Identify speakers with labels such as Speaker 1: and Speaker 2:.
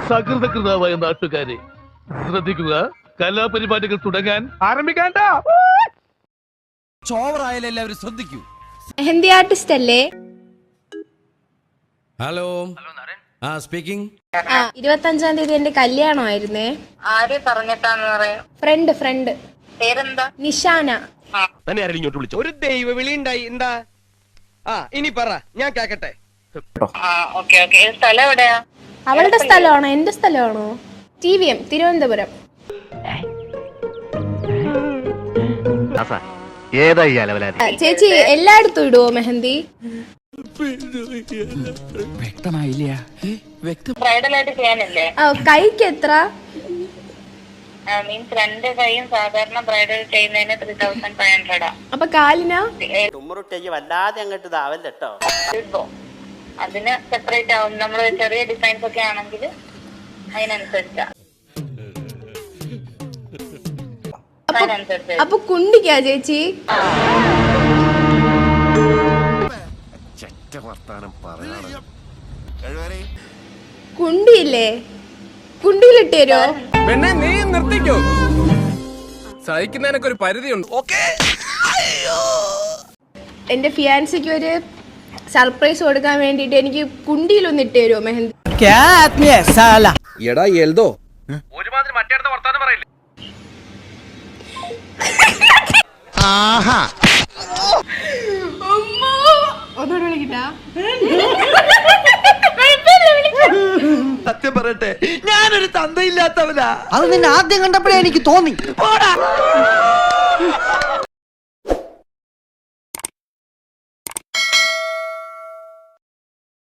Speaker 1: സകൃതകൃതാവായ നാട്ടുകാരെ ശ്രദ്ധിക്കുക, കലാപരിപാടികൾ തുടങ്ങാൻ ആരംഭിക്കാണ്ട.
Speaker 2: ചോവറായാലും എല്ലാവരും ശ്രദ്ധിക്കൂ.
Speaker 3: മെഹന്തി ആർട്ടിസ്റ്റ് അല്ലേ?
Speaker 2: Hello speaking.
Speaker 3: 25-ാം തീയതി എന്റെ കല്യാണമായിരുന്നേ.
Speaker 4: ആര് പറഞ്ഞിട്ടാന്ന് പറയാം?
Speaker 3: ഫ്രണ്ട്.
Speaker 4: പേരെന്താ?
Speaker 3: നിഷാന.
Speaker 1: തന്നെ ആരെങ്കിലും ഇങ്ങോട്ട് വിളിച്ചോ?
Speaker 5: ഒരു ദൈവ വിളി ഉണ്ടായി. എന്താ? ഇനി പറ, ഞാൻ കേക്കട്ടെ.
Speaker 4: ഓക്കെ. സ്ഥലം എവിടെയാ?
Speaker 3: അവളുടെ സ്ഥലമാണോ എന്റെ സ്ഥലമാണോ? TVM തിരുവനന്തപുരം. ചേച്ചി എല്ലായിടത്തും ഇടുവോ മെഹന്തി?
Speaker 2: വ്യക്തമായില്ല.
Speaker 4: ബ്രൈഡൽ ആയിട്ട് ചെയ്യാനില്ലേ?
Speaker 3: കൈക്ക് എത്ര?
Speaker 4: മീൻസ് 2 കൈയും സാധാരണ ബ്രൈഡൽ ചെയ്യുന്നതിന് 3500.
Speaker 3: അപ്പൊ കാലിനാ?
Speaker 6: വല്ലാതെ അങ്ങോട്ട് ഇതാവല്ലോ.
Speaker 4: അതിന് സെപ്പറേറ്റ് ആവും. നമ്മള് ചെറിയ ഡിസൈൻസ് ഒക്കെ ആണെങ്കിൽ അതിനനുസരിച്ചാ.
Speaker 3: അപ്പൊ കുണ്ടിക്കാ ചേച്ചി? കുണ്ടിയില്ലേ? കുണ്ടിയിലിട്ട് തരുമോ?
Speaker 5: പെണ്ണെ നീ നിർത്തിക്കോ, സഹിക്കുന്നതിനൊക്കെ ഒരു പരിധിയുണ്ട്.
Speaker 3: എന്റെ ഫിയാൻസിക്ക് ഒരു സർപ്രൈസ് കൊടുക്കാൻ വേണ്ടിട്ട് എനിക്ക് കുണ്ടിയിലൊന്ന് ഇട്ട് തരുമോ മെഹന്തി?
Speaker 5: എടാ എൽദോ,
Speaker 1: ഒരുമാതിരി മറ്റേടത്ത വർത്താനം പറയില്ലേ?
Speaker 3: ഒന്നുകൂടെ വിളിക്കട്ടാ?
Speaker 7: സത്യം പറയട്ടെ, ഞാനൊരു തന്തയില്ലാത്തവനാ.
Speaker 8: അത് നിന്നെ ആദ്യം കണ്ടപ്പോഴേ എനിക്ക് തോന്നി.